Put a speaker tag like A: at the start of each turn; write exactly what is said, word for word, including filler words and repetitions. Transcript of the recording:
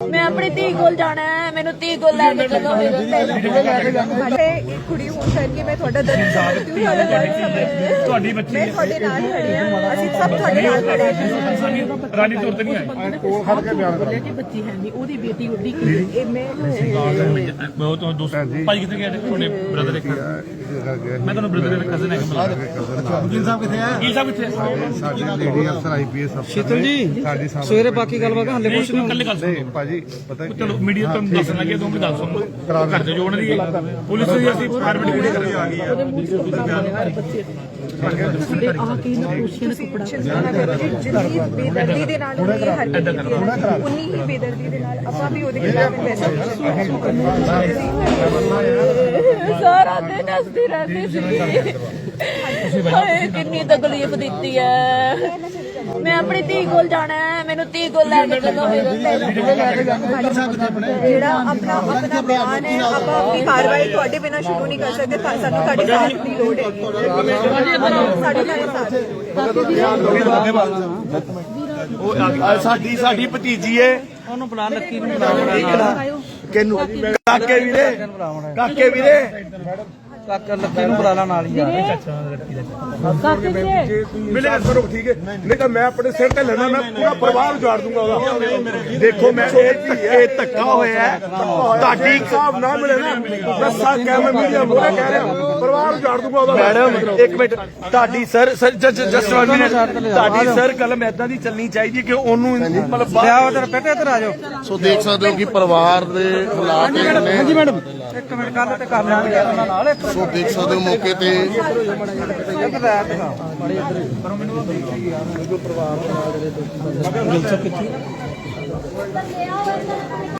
A: मैं अपनी धी कोल जाना है, मैनू धी कोल लैके चलो मेरे
B: ਕੁੜੀ ਹੋਣ ਕਰਕੇ ਮੈਂ ਤੁਹਾਡਾ ਦਰਦ ਸਮਝਦੀ ਹਾਂ,
C: ਤੁਹਾਡੀ ਬੱਚੀ
B: ਮੈਂ ਤੁਹਾਡੇ ਨਾਲ ਖੜੀ ਹਾਂ, ਅਸੀਂ ਸਭ ਤੁਹਾਡੇ ਨਾਲ ਖੜੇ ਹਾਂ।
C: ਰਾਣੀ ਤੌਰ ਤੇ ਨਹੀਂ ਆਈ
D: ਕੋਲ ਖੜ ਕੇ ਬਿਆਨ ਕਰੋ।
A: कि बच्ची है नहीं ओदी बेटी ओदी की
B: ਇਹ ਮੈਂ
C: ਮੈਂ ਉਹ ਤੋਂ ਦੋਸਤ ਭਾਈ ਕਿੱਥੇ ਗਏ ਤੁਹਾਡੇ ਬ੍ਰਦਰ ਇੱਕ ਮੈਂ ਤੁਹਾਨੂੰ ਬ੍ਰਦਰ ਦਾ ਕਜ਼ਨ ਹੈਗਾ ਮਿਲਾ ਵਕੀਲ ਸਾਹਿਬ ਕਿੱਥੇ ਆ ਵਕੀਲ ਸਾਹਿਬ ਕਿੱਥੇ
D: ਸਾਡੀ ਲੇਡੀ ਅਫਸਰ ਆਈਪੀਐਸ ਅਫਸਰ
E: ਸ਼ੀਤਲ ਜੀ
D: ਸਾਡੀ ਸਾਹਮਣੇ
E: ਸਵੇਰੇ ਬਾਕੀ ਗੱਲਬਾਤ ਹੱਲੇ ਕੁਛ ਨਹੀਂ
C: ਕੱਲੇ ਗੱਲ ਸੁਣੋ
D: ਭਾਜੀ ਪਤਾ ਕੀ
C: ਚਲੋ ਮੀਡੀਆ ਤੋਂ ਦੱਸਣ ਲੱਗੇ ਤੁਹਾਨੂੰ ਦੱਸ ਸੁਣੋ ਘਰ ਦੇ ਜੋੜਨ ਦੀ ਪੁਲਿਸ ਦੀ ਅਸੀਂ ਫਾਰਮੈਟ ਵੀਡੀਓ ਕਰਕੇ ਆ ਗਈ ਆ
B: ਜਿੰਨੀ ਬੇਦਰਦੀ ਦੇ ਨਾਲ ਉਹਨੇ ਇਹ ਹਰਕਤ ਕੀਤੀ ਹੈ ਨਾ, ਉਨੀ ਹੀ ਬੇਦਰਦੀ ਦੇ ਨਾਲ ਆਪਾਂ ਵੀ ਉਹਦੇ ਖਿਲਾਫ ਪੈਸਾ
A: सारा दिन हंसती रहती थी। हाय कितनी तकलीफ दी है। मैं अपनी धी कोल जाना है, मैनू धी कोल लैके चलो मेरे
B: ਜਿਹੜਾ ਆਪਣਾ ਆਪਣਾ ਬਿਆਨ ਹੈ ਆਪਾਂ ਆਪਣੀ ਕਾਰਵਾਈ ਤੁਹਾਡੇ ਬਿਨਾਂ ਸ਼ੁਰੂ ਨਹੀਂ ਕਰ ਸਕਦੇ। ਤਾਂ ਸਾਨੂੰ ਤੁਹਾਡੇ ਸਾਥ ਦੀ ਲੋੜ ਹੈ, ਸਾਡੇ ਨਾਲ ਸਾਥ
F: ਸਾਡੀ ਸਾਡੀ ਭਤੀਜੀ ਏ
E: ਉਹਨੂੰ ਬੁਲਾ ਲੱਕੀ ਨੂੰ ਬੁਲਾ
F: ਕਿਹਨੂੰ ਕਾਕੇ ਵੀਰੇ ਕਾਕੇ ਵੀਰੇ
E: ਕਾਕਾ ਲੱਕੀ ਨੂੰ ਬੁਲਾ ਲਾ ਨਾਲ ਹੀ ਯਾਰ
F: ਮਿਲੇ ਕਰੋ ਠੀਕ ਹੈ ਨਹੀਂ ਤਾਂ ਮੈਂ ਆਪਣੇ ਸਿਰ ਤੇ ਲੈਣਾ ਮੈਂ ਪੂਰਾ ਪਰਿਵਾਰ ਉਜਾੜ ਦੂੰਗਾ ਉਹਦਾ ਦੇਖੋ ਮੈਂ ਇਹ ਇਹ ਧੱਕਾ ਹੋਇਆ ਤੁਹਾਡੀ ਹਿਸਾਬ ਨਾ ਮਿਲੇ ਨਾ ਦੱਸਾਂ ਕਹਿ ਮੈਂ ਮੀਡੀਆ ਮੂਹਰੇ ਕਹਿ ਰਿਹਾ ਪਰਿਵਾਰ ਉਜਾੜ ਦੂੰਗਾ ਉਹਦਾ ਮੈਡਮ ਇੱਕ ਮਿੰਟ ਤੁਹਾਡੀ ਸਰ ਜਸਟ ਵਨ ਮਿੰਟ ਤੁਹਾਡੀ ਸਰ ਕਲਮ ਏਦਾਂ ਦੀ ਚੱਲਣੀ ਚਾਹੀਦੀ ਕਿ ਉਹਨੂੰ ਮਤਲਬ
E: ਲਿਆ ਉਧਰ ਬੇਟੇ ਇੱਧਰ ਆ ਜਾਓ
D: ਸੋ ਦੇਖ ਸਕਦੇ ਹੋ ਕਿ ਪਰਿਵਾਰ ਦੇ ਹਾਲਾਤ ਨੇ
E: ਹਾਂਜੀ ਮੈਡਮ ਇੱਕ ਮਿੰਟ ਕੱਲ ਤੇ ਕਰ ਲਾਂਗੇ ਉਹਨਾਂ ਨਾਲ ਇੱਕ
D: ਸੋ ਦੇਖ ਸਕਦੇ ਹੋ ਮੌਕੇ ਤੇ
E: ਇੱਕ ਰਾਤ ਦਿਖਾ ਮਾੜੀ ਇੱਧਰ ਪਰ ਮੈਨੂੰ ਪਰਿਵਾਰ ਦੇ ਨਾਲ ਜਿਹੜੇ ਦੋਸਤ